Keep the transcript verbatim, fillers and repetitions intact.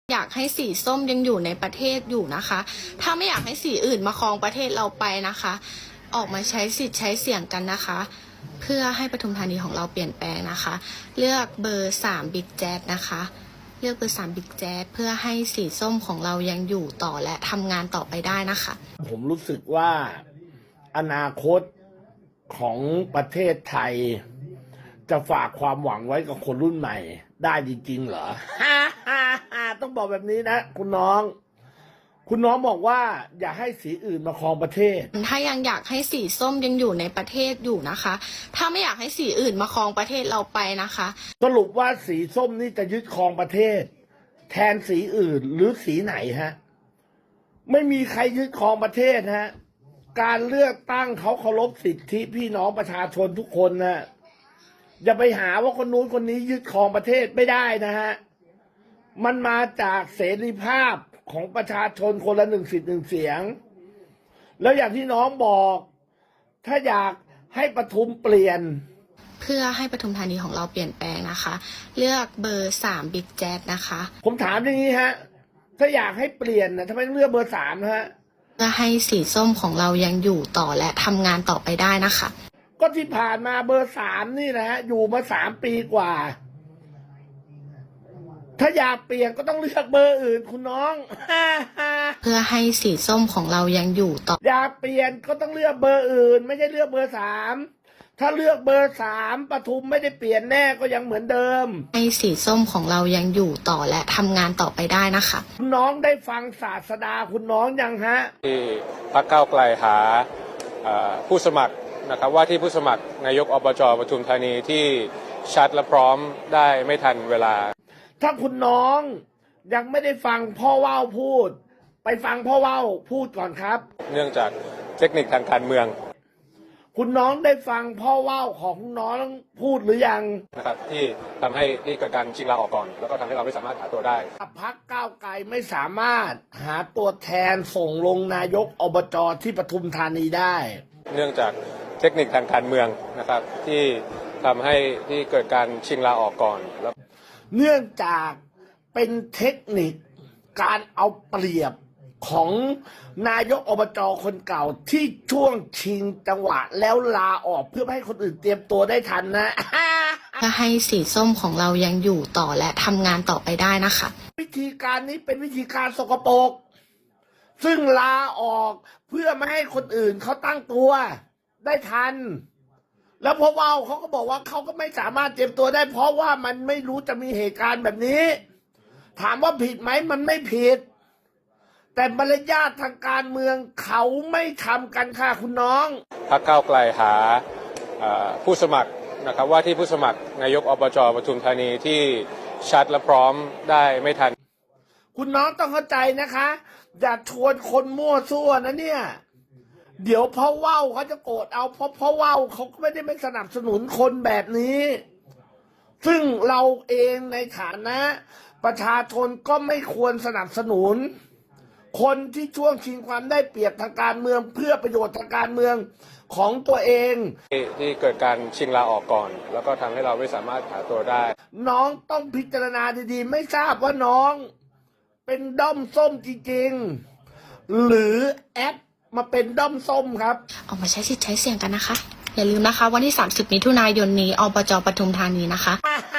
อยากให้สีส้มยังอยู่ในประเทศอยู่นะคะ ถ้าไม่อยากให้สีอื่นมาครองประเทศเราไปนะคะ ออกมาใช้สิทธิ์ใช้เสียงกันนะคะ เพื่อให้ปทุมธานีของเราเปลี่ยนแปลงนะคะ เลือกเบอร์สามบิ๊กแจ๊ดนะคะ เลือกเบอร์สามบิ๊กแจ๊ดเพื่อให้สีส้มของเรายังอยู่ต่อและทำงานต่อไปได้นะคะผมรู้สึกว่าอนาคตของประเทศไทย จะฝากความหวังไว้กับคนรุ่นใหม่ได้จริงๆเหรอ ต้องบอกแบบนี้นะคุณน้อง คุณน้องบอกว่าอย่าให้สีอื่นมาครองประเทศถ้ายังอยากให้สีส้มยังอยู่ในประเทศอยู่นะคะ ถ้าไม่อยากให้สีอื่นมาครองประเทศเราไปนะคะสรุปว่าสีส้มนี่จะยึดครองประเทศ แทนสีอื่นหรือสีไหนฮะไม่มีใครยึดครองประเทศฮะการเลือกตั้งเขาเคารพสิทธิพี่น้องประชาชนทุกคนนะอย่าไปหาว่าคนนู้นคนนี้ยึดครองประเทศไม่ได้นะฮะมันมาจากเสรีภาพของประชาชนคนละหนึ่งสิทธิ์หนึ่งเสียงแล้วอย่างที่น้องบอก ถ้าอยากให้ปทุมเปลี่ยนเพื่อให้ปทุมธานีของเราเปลี่ยนแปลงนะคะ เลือกเบอร์สามบิ๊กแจ๊ดนะคะผมถามอย่างนี้ฮะถ้าอยากให้เปลี่ยนนะทำไมต้องเลือกเบอร์สามฮะเพื่อให้สีส้มของเรายังอยู่ต่อและทำงานต่อไปได้นะคะก็ที่ผ่านมาเบอร์สามนี่นะฮะอยู่มาสามปีกว่าถ้าอยากเปลี่ยนก็ต้องเลือกเบอร์อื่นคุณน้องเพื่อให้สีส้มของเรายังอยู่ต่ออยากเปลี่ยนก็ต้องเลือกเบอร์อื่น ไม่ใช่เลือกเบอร์สามถ้าเลือกเบอร์สามปทุมไม่ได้เปลี่ยนแน่ก็ยังเหมือนเดิมให้สีส้มของเรายังอยู่ต่อและทำงานต่อไปได้นะคะคุณน้องได้ฟังศาสดาคุณน้องยังฮะที่พรรคก้าวไกลหาผู้สมัครนะครับว่าที่ผู้สมัครนายกอบจปทุมธานีที่ชัดและพร้อมได้ไม่ทันเวลาถ้าคุณน้องยังไม่ได้ฟังพ่อว่าวพูดไปฟังพ่อว่าวพูดก่อนครับเนื่องจากเทคนิคทางการเมืองคุณน้องได้ฟังพ่อว่าวของน้องพูดหรือยังนะครับที่ทำให้ที่เกิดการชิงลาออกก่อนแล้วก็ทำให้เราไม่สามารถหาตัวได้พรรคก้าวไกลไม่สามารถหาตัวแทนส่งลงนายกอบจที่ปทุมธานีได้เนื่องจากเทคนิคทางการเมืองนะครับที่ทำให้ที่เกิดการชิงลาออกก่อนแล้วเนื่องจากเป็นเทคนิคการเอาเปรียบของนายกอบจคนเก่าที่ช่วงชิงจังหวะแล้วลาออกเพื่อให้คนอื่นเตรียมตัวได้ทันนะเพื่อให้สีส้มของเรายังอยู่ต่อและทำงานต่อไปได้นะคะวิธีการนี้เป็นวิธีการสกปรกซึ่งลาออกเพื่อไม่ให้คนอื่นเขาตั้งตัวได้ทันแล้วพอว่าเขาก็บอกว่าเขาก็ไม่สามารถเตรียมตัวได้เพราะว่ามันไม่รู้จะมีเหตุการณ์แบบนี้ถามว่าผิดไหมมันไม่ผิดแต่มารยาททางการเมืองเขาไม่ทำกันค่ะคุณน้องพรรคก้าวไกลหาผู้สมัครนะครับว่าที่ผู้สมัครนายกอบจปทุมธานีที่ชัดและพร้อมได้ไม่ทันคุณน้องต้องเข้าใจนะคะอย่าชวนคนมั่วซั่วนะเนี่ยเดี๋ยวพ่อว่าวเขาจะโกรธเอาเพราะพ่อว่าวเขาก็ไม่ได้ไม่สนับสนุนคนแบบนี้ซึ่งเราเองในฐานะประชาชนก็ไม่ควรสนับสนุนคนที่ช่วงชิงความได้เปรียบทางการเมืองเพื่อประโยชน์ทางการเมืองของตัวเองที่เกิดการชิงลาออกก่อนแล้วก็ทำให้เราไม่สามารถหาตัวได้น้องต้องพิจารณาดีๆไม่ทราบว่าน้องเป็นด้อมส้มจริงๆหรือแอปมาเป็นด้อมส้มครับออกมาใช้สิทธิ์ใช้เสียงกันนะคะอย่าลืมนะคะวันที่สามสิบมิถุนายนนี้อบจปทุมธานีนะคะ